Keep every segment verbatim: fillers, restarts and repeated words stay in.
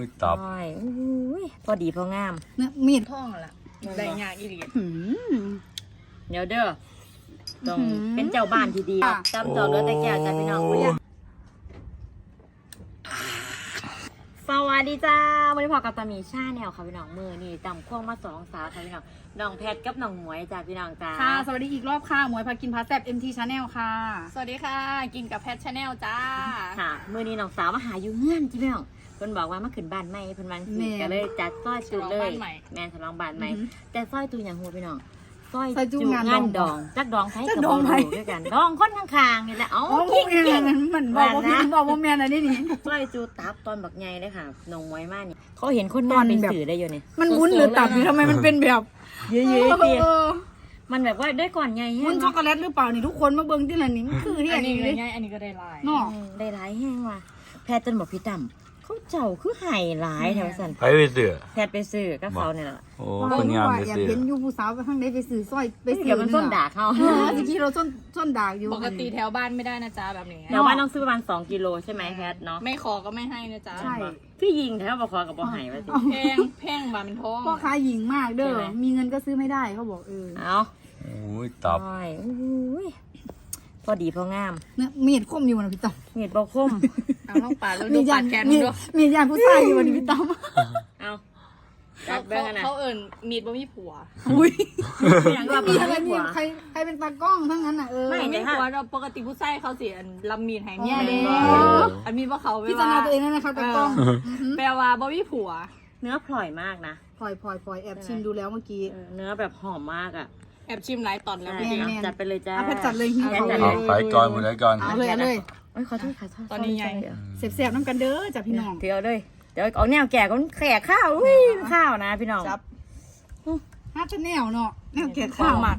ยตับพอดีพองามเนี่ยมีดท่องล่ะได้ยากอีหลีเดี๋ยวเด้อต้องเป็นเจ้าบ้านที่ดีจำจอดรถแต่แก้วจ้าพี่น้องสวัสดีจ้าวันนี้พอกับตามีชาแนลค่ะพี่น้องมือนี่จำควงมาสองสาวค่ะพี่น้องน้องแพทกับน้องหมวยจ้าพี่น้องจ้าค่ะสวัสดีอีกรอบค่ะหมวยพากินพาแซ่บ เอ็ม ที Channel ค่ะสวัสดีค่ะกินกับแพทชาแนลจ้าค่ะมือนี้น้องสาวมาหาอยู่เงื่อนจ้าพี่น้องเพิ่นบอกว่ามาขึ้นบ้านใหม่เพิ่นวันสิก็เลยจัดซอยจูเลยแม่ฉลองบ้านใหม่แต่ซอยตูอย่างหัวพี่น้องซอยจูงานดองจักดองไทยกับดองด้วยกันดองคนข้างๆนี่แหละเอ้ากิ๊กกิ๊กมันบอกว่าพี่บอกว่าแม่น่ะนี่นี่ซอยจูตับตอนบักใหญ่เลยค่ะน้องมวยมากนี่เขาเห็นคนนอนเป็นสื่อได้อยู่นี่มันวุ้นหรือตับนี่ทำไมมันเป็นแบบเยอะๆเตี้ยมันแบบว่าด้วยก่อนใหญ่วุ้นช็อกโกแลตหรือเปล่านี่ทุกคนมาเบิ่งที่ละนี่มันคือที่อันนี้เลยอันนี้ก็ได้ลายเนาะได้หลายแห้งว่ะแพทย์จนบอกพี่ตั้มเขาเจ้าคือไห่หลายแถวสันไปไปซื้อแพทย์ไปซื้อก็เขาเนี่ยแหละโอ้คนงามไปซื้ออยากเห็นยูผู้สาวไปข้างในไปซื้อสร้อยไปซื้อเดี๋ยวมันส้นด่าเขาเมื่อกี้เราส้นส้นด่าอยู่ปกติแถวบ้านไม่ได้นะจ๊ะแบบนี้แถวบ้านต้องซื้อประมาณสองกิโลใช่ไหมแพทย์เนาะไม่ขอก็ไม่ให้นะจ๊ะใช่พี่ยิงแถวบอกคอกับบอกไห่ว่าสิแพงแพงบามันท้องพ่อค้าหญิงมากเด้อมีเงินก็ซื้อไม่ได้เขาบอกเออเอาโอ้ยตับพอดีพองามเนี่ยมีดคมอยู่นะพี่ต้อมมีดบอคมเอาท้องปลาแล้วดูปลาแกนดูมีดยานผู้ชายอยู่วันนี้พี่ต้อมเอาเขาเขาเอิญมีดบ่มีผัวอุ้ยมีอะไรมีใครใครเป็นตากล้องทั้งนั้นอ่ะเออไม่มีผัวเราปกติผู้ชายเขาเสียลำมีดแห่งเนี่ยเด้อันมีว่าเขาพิจารณาตัวเองนะคะตากล้องแปลว่าบ่มีผัวเนื้อพลอยมากนะพลอยพลอยพลอยแอบชิมดูแล้วเมื่อกี้เนื้อแบบหอมมากอ่ะแอบชิมหลายตอนแล้วพี่จัดไปเลยจ้าแพทจัดเลยหิวเอาไปก่อนหมดเลยก่อนเอาเลยเลยโอ้ยขอโทษค่ะตอนนี้ไงเสียบๆน้ำกันเด้อจ้ะพี่น้องเดี๋ยวเลยเดี๋ยวเอาแนวแก่ก็แขกข้าวอุ้ยข้าวนะพี่น้องจับฮัทแนวเนาะแนวแก่ข้าวหมัก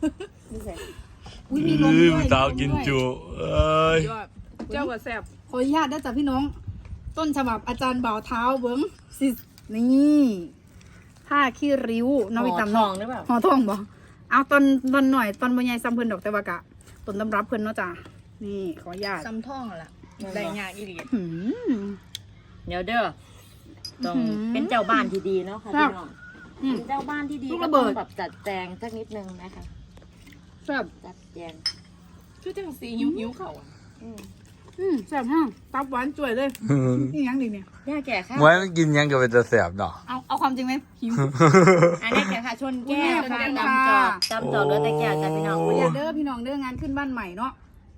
อุ้ยมีนมด้วยสาวกินจุเอ้ยเจ้ากับแซ่บขออนุญาตได้จ้ะพี่น้องต้นฉบับอาจารย์บ่าวเท้าเบิ้งสินี่ผ้าขี้ริ้วน้องไปตำทองหรือเปล่าห่อทองบ่เอาตอนตอนหน่อยตอนบรรยายซ้ำเพิ่นดอกแต่ว่ากะต้นตำรับเพิ่นเนาะจ้ะนี่ขออนุญาตซ้ำท่องล่ะได้ยากอีหลีเดี๋ยวเด้อต้องเป็นเจ้าบ้านที่ดีเนาะค่ะพี่น้องเป็นเจ้าบ้านที่ดีก็ต้องแบบจัดแจงสักนิดนึงนะคะแซ่บจัดแจงคือจังสีหิวหิวเข่าอืมอืมแซ่บฮะตับหวานจ่วยเลยนี่ยังดีเนี่ยย่าแก่ค่ะไว้มันกินยังก็เป็นจะแสบเนาะเอาเอาความจริงไหมหิวอันนี้แก่ค่ะชนแก้วจำจอดจำจอดรถแต่แก้วจ้ะพี่น้องอย่าเด้อพี่น้องเด้องานขึ้นบ้านใหม่เนาะ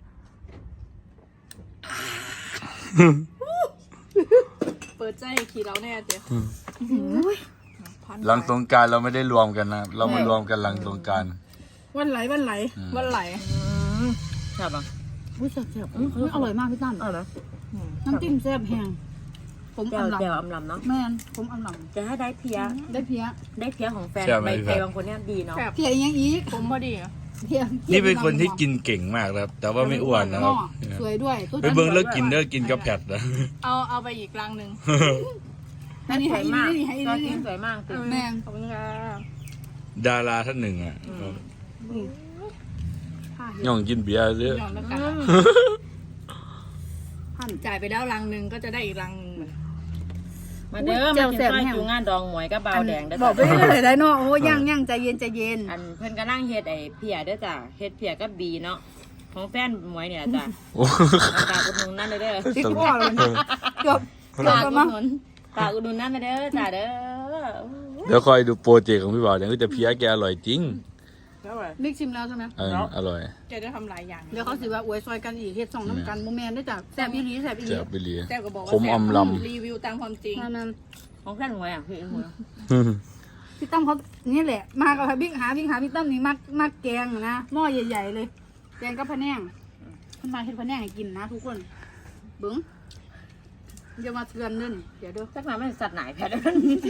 เปิดใจขี่เราแน่เจ๊หลังสงกรานต์เราไม่ได้รวมกันนะเรามารวมกันหลังสงกรานต์วันไหลวันไหลวันไหลแซ่บอ่ะอุ้ยแซ่บแซ่บอร่อยมากพี่ตั้มอร่อยน้ำจิ้มแซ่บแห้งผมอำลำเจียวอำลำเนาะแม่นผมอำลำจะให้ได้เพียได้เพียได้เพียของแฟนใบเตยบางคนเนี่ยดีเนาะเพียยังอีกผมพอดีเพียนี่เป็นคนที่กินเก่งมากครับแต่ว่าไม่อ้วนนะครับสวยด้วยไปเบิ้งแล้วกินเด้อกินกับแผดนะเอาเอาไปอีกรังหนึ่งอันนี้ให้มากนี่ให้นี่สวยมากแม่ขอบคุณค่ะดาราท่านหนึ่งอ่ะย่องกินเบียร์เยอะจ่ายไปแล้วรังหนึ่งก็จะได้อีกรังหนึ่งมาเด้อมากินข้าวอยู่งานดองหมวยกับเบาแดงได้บอกไปเลยได้เนาะโอ้ย่างย่างใจเย็นใจเย็นอันเพื่อนก็นั่งเฮ็ดไอ้เพียด้วยจ้ะเฮ็ดเพียกับบีเนาะของแฟนหมวยเนี่ยจ้ะตาอุดหนุนนั่นเลยเด้อติ๊กพ่อเลยเกือบตาอุดหนุนตาอุดหนุนนั่นเลยเด้อจ้ะเด้อเดี๋ยวคอยดูโปรเจกต์ของพี่บ่าวเดี๋ยวก็จะเพี้ยแกอร่อยจริงบิ๊กชิมแล้วใช่ไหมเอออร่อยแกจะทำหลายอย่างเดี๋ยวเขาสิว่าอวยซอยกันอีกเฮ็ดสองน้ำกันโมแมนได้จ้ะแซ่บอีหลีแซ่บอีหลีแซ่บอีหลีแซ่บก็บอกว่าผมอมลำรีวิวตามความจริงของแฟนหมวยอ่ะพี่หมวยพี่ตั้มเขานี่แหละมากับบิ๊กหาบิ๊กหาพี่ตั้มนี่มักมักแกงนะหม้อใหญ่ๆเลยแกงกับพะแนงขึ้นมาเฮ็ดพะแนงให้กินนะทุกคนเบิ้งอย่ามาเตือนเด้อเดี๋ยวเด้อสักหน่อยไม่สัตว์ไหนแพ้เด้อ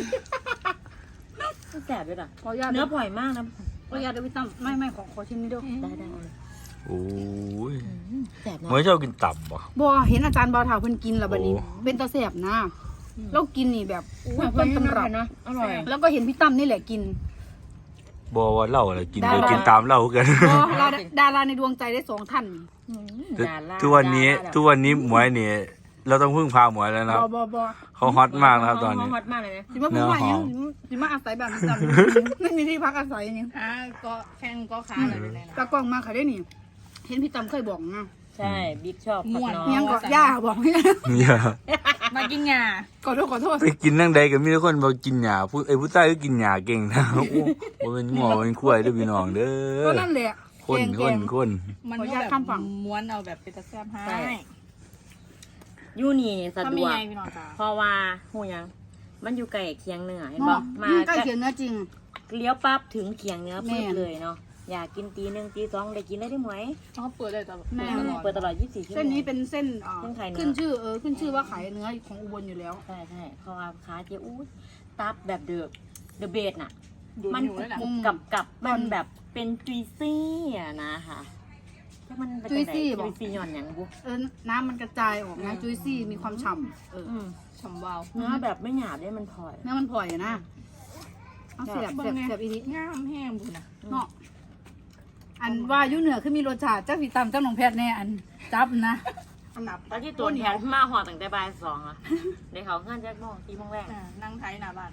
แซ่บด้วยอ่ะเนื้อปล่อยมากนะขออนุญาตด้วยพี่ตั้มไม่ไม่ขอขอชิมนิดเดียวได้ได้โอ้ยแซ่บนะเมื่อเช้ากินตับป่ะบ่เห็นอาจารย์บ่าวถาเพิ่นกินแล้วบัดนี้เป็นตาแซ่บนะเรากินนี่แบบต้นตำรับนะอร่อยแล้วก็เห็นพี่ตั้มนี่แหละกินบ่ว่าเล่าอะไรกินเลยกินตามเล่ากันดาราในดวงใจได้สองท่านทุกวันนี้ทุกวันนี้หมวยเนี่ยเราต้องพึ่งพาหมวยแล้วนะครับบอบอบอเขาฮอตมากนะครับตอนนี้ฮอตมากเลยนะสิมาพูดว่าอย่างนี้สิมาอาศัยแบบจำไม่มีที่พักอาศัยอย่างนี้อ่าก็แข่งก็ค้าอะไรเลยนะตากล้องมาค่ะได้นี่เห็นพี่ตำเคยบอกนะใช่บิ๊กชอบผักน้อเมียงงก็ย่าบอกไม่ได้อย่ามากินงาขอโทษขอโทษไปกินนั่งใดกับมีแต่คนบอกกินหญ้าผู้ไอ้ผู้ใต้ก็กินหญ้าเก่งนะโอ้โหบ่เป็นงัวบ่เป็นควายเด้อพี่น้องเด้ก็อนั่นแหละคนแกคงนคนมันขออนุก็ญาตแบบข้ามฝั่งม้วนเอาแบบเป็นตะแซบให้ยูนี่สะถ้าดมีวกไงพี่น้องจ้าเพราะว่าหูยังมันอยู่ไกลเคียงเหนือเห็นเนาะบ่มาใกล้เคียงเนื้อจริงเลี้ยวปั๊บถึงเคียงเนื้อแม่ปึ๊บเลยเนาะอยากกินตีหนึ่งตีสองได้กินได้ได้ไหมเขาเปิดได้ตลอดแม่เปิดตลอดยี่สิบสี่ชั่วโมงเส้นนี้เป็นเส้นเอ่อเส้นขายเนื้อขึ้นชื่อเออขึ้นชื่อว่าขายเนื้อของอุบลอยู่แล้วใช่ใช่เพราะว่าขาเจ๊อู้ตับแบบเดอะเดอะเบสน่ะดูมันอยู่เลยนะอืมกับกับมันแบบเป็นจุยซี่อะนะค่ะถ้ามันเป็นจุยซี่จังบใดอกจุยซี่หย่อนอย่างบุเออน้ำมันกระจายออกนะจุยซี่มีความฉ่ำเอออืมฉ่ำวาวเนื้อแบบไม่หยาบได้มันพลอยเนื้อมันพลอยอะนะเอาเสียบเสียบเสียบอีนี้งามแห้งบุญนะเนาะอันว่าอยุ่เหนือคือมีรสชาติเจ้าผีตำเจ้าหนองแพทย์แน่อันจับนะอันดับตอนที่ตัวแทนมาหอตั้งแต่บ่ายสองอะในเขาเงื่อนแจ็คโมงตีโมงแรกอ่านั่งไทยหน้าบ้าน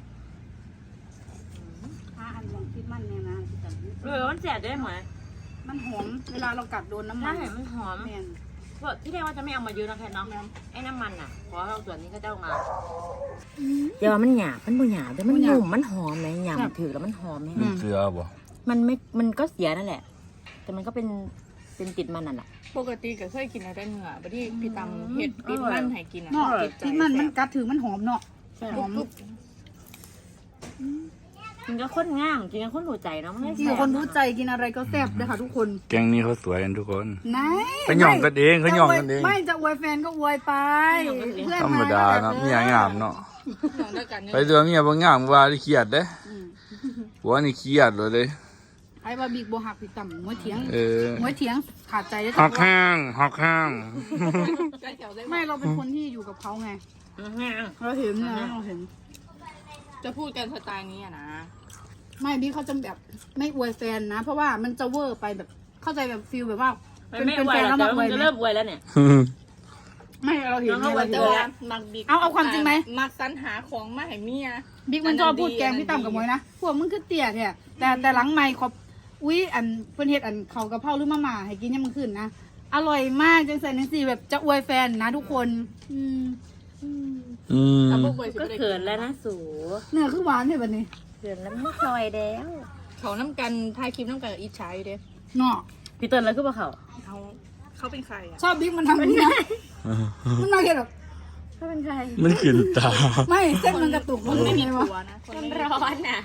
ถ้าอันลองคิดมันเนี่ยนะพี่ตำเออมันแสบด้วยไหมมันหอมเวลาเรากัดโดนน้ำมัใช่นมันหอมแม่นเพราะที่แรกว่าจะไม่เอามาเยอะนะแพทเนาะไอ้น้ำมันอ่ะขอเราส่วนนี้ก็เจ้ามาเดี๋ยวมันหยาบมันบ่หยาบแต่มันนุ่มมันหอมไหมหยาบถือแล้วมันหอมไหมเป็นเสือบ่มันไม่มันก็เสียนั่นแหละ แต่มันก็เป็นเป็นติดมันนั่นแหละปกติก็เคยกินอะไรเนื้อบัดที่พี่ตำเห็ดติดมันให้กินอ่ะเนาะติดใจที่มันมันกัดถือมันหอมเนาะใช่หอมมันก็ข้นง่ามจริงๆข้นหัวใจเนาะมันไม่ที่แซ่บคนรู้ใจกินอะไรก็แซ่บเลยค่ะทุกคนแก๊งนี้เขาสวยกันทุกคนไหนเขาหย่องกันเองเขาหย่องกันเองไม่จะอวยแฟนก็อวยไปเพื่อนธรรมดาเนาะเมียงามเนาะหนองด้วยกันเนี่ยไปเจอเมียบ่งามว่าที่เครียดเด้ผัวนี่เครียดเลยเด้ไอ้บาบิกโบหักพี่ต่ำมวยเถียงเออมวยเถียงขาดใจได้ฮอกห้างฮอกห้างได้แถวได้ไม่เราเป็นคนที่อยู่กับเขาไงอื้อหือเราเห็นนะเราเห็นจะพูดกันสไตล์นี้อ่ะนะไม่บิ๊กเขาจะแบบไม่อวยแฟนนะ เพราะว่ามันจะเวอร์ไปแบบเข้าใจแบบฟิลแบบว่ามันเป็นไม่เป็นไหวแฟนแล้แล้ว วแต่มาอมัวน ยจะไหมเริ่มอวยแล้วเนี่ยไม่เราเห็นน้องเราเอาเห็นไว้แล้วมักบิ๊กเอาเอาความจริงไหมมักสรรหาของมาให้เมียบิ๊กมันชอบพูดแกล้งพี่ต่ำกับมวยนะพวกมึงคือเตี่ยแท้แต่แต่หลังไม่ขอบอุ้ยอันเพื่อนเฮ็ดอันเขากระเพราหรือมาม่าให้กินยังมันขึ้นนะอร่อยมากจังใส่นังสี่แบบจะอวยแฟนนะทุกคนอืมอืมแต่พวกเบยก็เขินแล้วนะสูเนื้อคือหวานเลยแบบนี้เขินแล้วไม่คลอยแล้วเขาน้ำกันถ่ายคลิปน้ำกันกับอีชายเด้เนาะพี่เติ้ลแล้วคือเปล่าเขาเขาเขาเป็นใครอ่ะชอบบิ๊กมันทำแบบนี้นะมันน่าเกลียดหรอกเขาเป็นใครมันขึ้นตาไม่เส้นมันกระตุกคนไม่มีไงผัวะวนะคนมันไม่มีร้อนน่ะ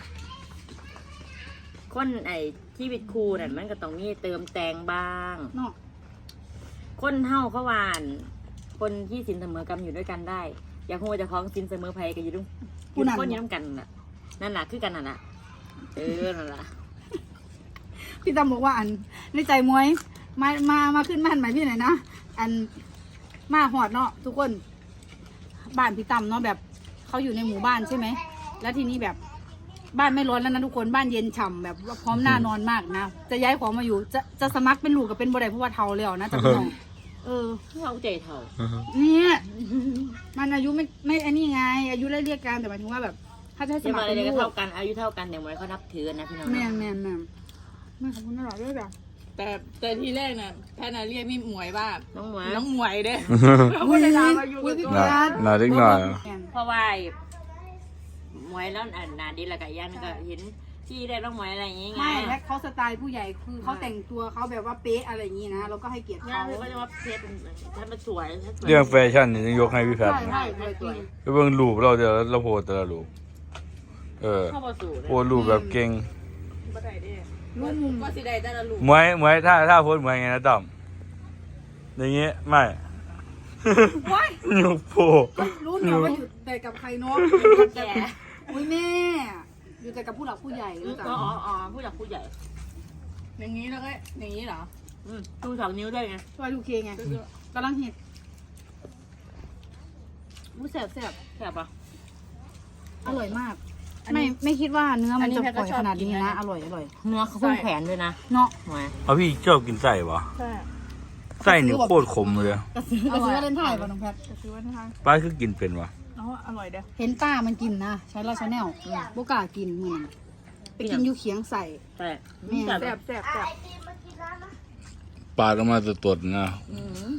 คนไอ้ที่วิตครูนั่นมันก็ต้องมีเติมแต่งบ้างเนาะคนเฮาเขาวาน คนที่สินเสมอกันอยู่ด้วยกันได้ อยากหัวจะคล้องสินเสมอภัยกันอยู่ด้วยอยู่คนอยู่ด้วยกันน่ะนั่นแหละคือกันนั่นแหละเออนั่นแหละพี่ตำบอกว่าอันในใจมวยมามามาขึ้นบ้านใหม่พี่หน่อยนะอันมาหอดเนาะทุกคนบ้านพี่ตำเนาะแบบเขาอยู่ในหมู่บ้านใช่ไหมแล้วทีนี้แบบบ้านไม่ร้อนแล้วนะทุกคนบ้านเย็นฉ่ำแบบว่าพร้อมหน้านอนมากนะจะย้ายของมาอยู่ จะจะสมัครเป็นลูกกับเป็นบ่ได้เพราะว่าเทาแล้วนะจะพี่น้องเออเขาใจเท่าเนี่ยมันอายุไม่ไม่อันนี้ไง อายุไล่เรียกกันแต่หมายถึงว่าแบบ ถ้าจะให้สจะมัคมารเป็อะไรนก็ลูกเท่ากันอายุเท่ากันแต่เหมือนเขานับถือกันนะพี่น้องแม่นแม่นแม่นไม่ขอบคุณตลอดด้วยแบบแต่แต่ทีแรกน่ะแพทย์น่ะเรียกพี่หมวยว่าน้องหมวยน้องหมวยเด้อุ้ยอุ้ยพี่หน่อยการหน่อยเล็กหน่อยเพราะว่าหมวยแล้วอันนาดีละกับย่างก็เห็นที่ได้น้องหมวยอะไรอย่างงี้ไงไม่และเขาสไตล์ผู้ใหญ่คือเขาแต่งตัวเขาแบบว่าเป๊ะอะไรอย่างนี้นะเราก็ให้เกียรติย่าเขางก็จะว่าเพชรฉันมาสวยฉันสวยเรื่องแฟชั่นนี่ต้องยกให้พี่แพทย์ใช่นะใช่ใช่จริงไปเบิ่งรูปเราเดี๋ยวเราโพสแต่ละรูปเออเข้ามาสู่เลยโพสรูปแบบเก่งบ่ได้เด้รู้มุมว่าสิได้แต่ละลูกมวยมวยถ้าถ้าโพสมวยไงนะต่อมอย่างงี้ไม่ว้ายยกโพรู้เนี่ยว่าอยู่แต่กับใครเนาะแก่อุ้ยแม่อยู่แต่กับผู้หลักผู้ใหญ่รู้จักอ๋ออ๋อผู้หลักผู้ใหญ่อย่างนี้แล้วก็อย่างนี้เหรออืมดูสองนิ้วได้ไงช่วยดูเคไงกำลังเห็ดมูแสบแสบแสบปะอร่อยมาก ไม่ไม่คิดว่าเนื้อมันจะปล่อยขนาดนี้นะ อร่อยอร่อยเนื้อเขาเพิ่งแขวนด้วยนะเนาะหมวยเอาพี่ชอบกินไส้ปะใช่อไส้นี่โคตรขมเลยกระสือกระสือวาเลนไทน์ป่ะน้องแพทจะซื้อไว้ทางป้าคือกินเป็นวะอ๋ออร่อยเด้อเห็นป้ามันกินนะใช้ลาชาแนลโบกล้ากินเหมือนไปกินอยูเคียงใส่ใช่แม่แซ่บแซ่บแซ่บปลาออกมาตดๆนะอืม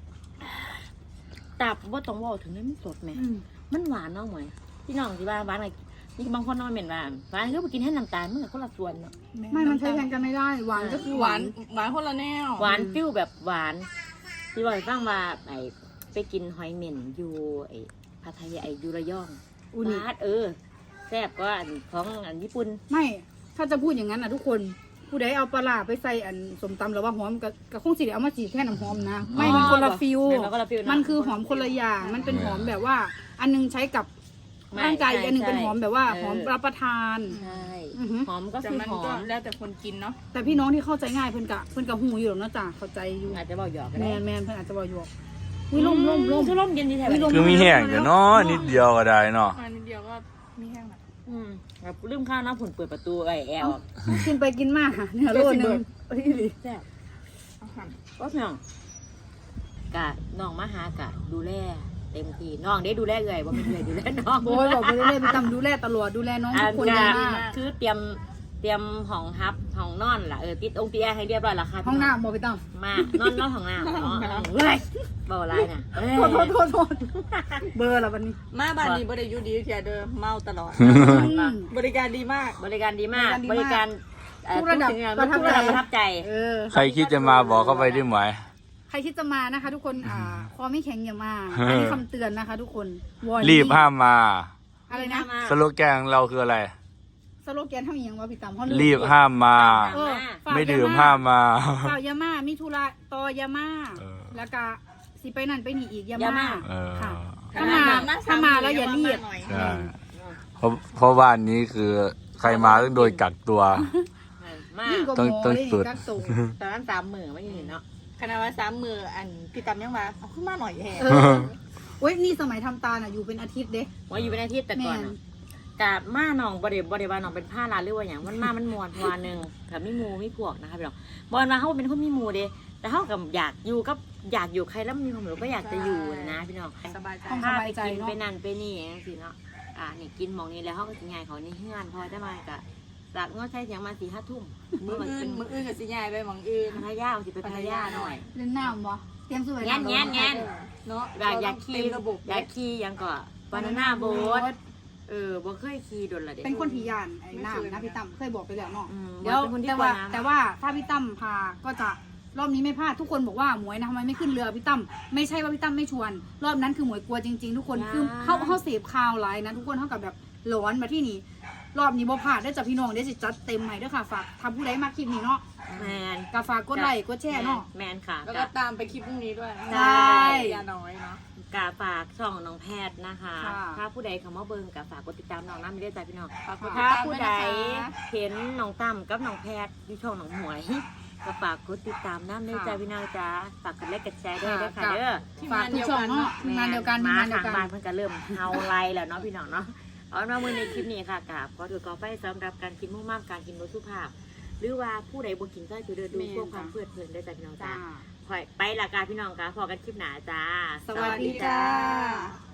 ตับว่าต้องเว่าถึงนั้นมันสดไหมอืมมันหวานเนาะหมวยพี่น้องที่ว่าหวานอะไรนี่บางคนน้อยเหม็นหวานหวานก็ไปกินให้น้ำตาลมันก็คนละส่วนเนาะไม่มันใช้แทนกันไม่ได้หวานก็คือหวาวหาน นหวานคนละแนวหวานฟิวแบบหวานที่บอกให้ฟังว่าไอไปกินหอยเหม็นอยู่ไอพัทยาไอยูระยองอูนิวาดเออแซ่บก็อันของอันญี่ปุ่นไม่ถ้าจะพูดอย่างนั้นนะทุกคนผู้ใดเอาปลาร้าไปใส่อันสมตำหรือว่าหอมกับกับคงสิได้เอามาจีแค่น้ำหอมนะไม่มันคนละฟิลแม่นบ่คนละฟิลเะมันคือหอมคนละอย่าง มันเป็นหอมแบบว่า อันนึงใช้กับไม่ร่างกายอีกอันหนึงใช่เป็นหอมแบบว่าเออหอมรับประทานใช่อือหือหอมก็แต่คือมันหอก็มแล้วแต่คนกินเนาะแต่พี่น้องที่เข้าใจง่ายเพิ่นกะเพิ่นกะหูอยู่หรอกเนาะจ้ะเข้าใจอยู่อาจจะบอกหยอกก็แมได้นแมนเพิ่นอาจจะบอกอยู่วิล่มล่มล่มคือล่มเย็นดีแท้อุ๊ยลมคือมีแห้งแต่เนาะนิดเดียวก็ได้เนาะอันนิดเดียวก็มีแห้งละอืมแบบลืมข้าวน้ำผุนเปิดประตูไอแอลกินไปกินมาเนี่ยโลนึงเอ้ยดิแซ่บเอาหั่นก็น้องกะน้องมาหากะดูแลเต็มที่น้องได้ดูแลเอื่อยว่าเป็นเอื่อยดูแลน้องโอ้ยบอกไปเรื่อยๆไปตำดูแลตลอดดูแลน้องทุกคนอ่าดีมากคือเตรียมเตรียมห้องฮับห้องนอนล่ะเออติดองค์ติดแอร์ให้เรียบร้อยและค่ะห้องน้ำบอกไปตำมานอนนอนห้องน้ำเนาะเฮ้ยเบาไรน่ะเอ้ยโทษโทษโทษโทษเบอร์ละวันนี้มาบ้านนี้บ่ได้อยู่ดีแค่เดิมเมาตลอดอืมบริการดีมากบริการดีมากบบ ริริกาการ รดีเอ่อทุกระดับทุกสิ่งประทับทุกระดับใจประทับใจเออใครคิดจะมาบอกเข้าไปได้ไหมใครคิดจะมานะคะ ทุกคนอ่าคอไม่แข็งอย่ามาอันนี้คำเตือนนะคะ ทุกคนวอนรีบห้ามมาอะไรนะสโลแกนของเราคืออะไรสโลแกนเท่าอีหยังว่าพี่ตามเขารีบห้ามมาเออฝากไม่ดื่มยห้ามมาฝากยามามีธุระต่อยามาเออแล้วก็สิไปนั่นไปนี่อีกยายามามาเออค่ะ ถ้ามาถ้ามาแล้วอย่ารีบใช่เพราะเพราะบ้านนี้คือใครมาต้องโดนกักตัวมายิ่งกว่าต้องหมอต้องเลยสุดกักตัวตอนนั้นสามหมื่นไม่ยืนเนาะคณะว่าสามมืออันพี่ตำยังมาเอาขึ้นมาหน่อยแห่เออเว้ยนี่สมัยทำตาลอ่ะอยู่เป็นอาทิตย์เด้ว่าอยู่เป็นอาทิตย์แต่ก่อนแม่อะนกามาหนองบริบริบาลหนองเป็นผ้าลานหรือว่าอย่างมันมามันมวนพวาหนึ่งกับมีหมูมีพวกนะคะพี่น้องบอลมาเขาเป็นคนมีหมูเด้แต่เขากับอยากอยู่กับอยากอยู่ใครแล้วมีความรู้ก็อยากจะอยู่นะพี่น้องสบายใจต้องพาสไปบายใจกินเนาะไปนั่นไปนี่อย่างสิเนาะอ่านี่กินหมองนี้แล้วเขาก็จะง่ายเขานี่เฮือนพอได้มากะจากงอใช้เสียงมาสี่ห้าทุ่มมือมันอื่เป็น นมืออื่นกับสิยายไปหมองอื่นพัทยาเอาสิไปพัทยาหน่อยเล่นน้ำบ่เตรียมสวยแง่นแง่นแง่นเนาะอยากอยากขี่เต็มระบบอยากขี่ยังก็บานาน่าโบ๊ทเออบ่เคยขี่โดนละเด็เป็นคนที่ยานไอ้น้ำนะพี่ตั้มเคยบอกไปแล้วเนาะอืมเดี๋ยวเป็นคนที่แต่ว่ากลัวน้ำแต่ว่าถ้าพี่ตั้มพาก็จะรอบนี้ไม่พลาดทุกคนบอกว่าหมวยนะทำไมไม่ขึ้นเรือพี่ตั้มไม่ใช่ว่าพี่ตั้มไม่ชวน รอบนั้นคือหมวยกลัวจริงๆ ทุกคนคือเขาเขาเสพข่าวไลน์นะทุกคนเท่ากับแบบหลอนมาที่นี่รอบนี้บ่พลาดได้อจากพี่น้องได้สิจัดเต็มใหม่ด้วยค่ะฝากทำผู้ใดมาคลิปนี้เนาะแมนกาฝากกดไลค์กดแชร์เนาะแมนค่ะแล้วก็ตามไปคลิปพรุ่งนี้ด้วยใช่ยาน้อยเนาะกาฝากช่องน้องแพทย์นะคะค่ะถ้าผู้ใดเขามาเบิ่งกาฝากกดติดตามน้องน้ำไม่ได้ใจพี่น้องฝากกดติดถ้าตามผู้ด้วยใดนะคะเห็นน้องตั้มกับน้องแพทย์ที่ช่องน้องหมวยก็ฝากกดติดตามน้ำได้ใจพี่น้องจ้าฝากกดไลค์กดแชร์ด้วยนะคะเด้อทีมฝากงานทุเดีกยวช่องกันเนาะเนาะทีมงานเดียวกันทีมานเดีมางทายวงกันบ้านเพิ่นก็เริ่มเฮาไลแล้วเนาะพี่น้องเนาะเอามามือในคลิปนี้ค่ะกับขอถือกอไฟสำหรับการกินมุ่งมั่นการกินรสสุภาพ หรือว่าผู้ใดบ่กินก็จะเดินดูเพื่อความเพลิดเพลินได้จากพี่น้องจ้าจ้าคอยไปละกาพี่น้องกาพอกันคลิปหนาจ้าสวัสดีจ้าส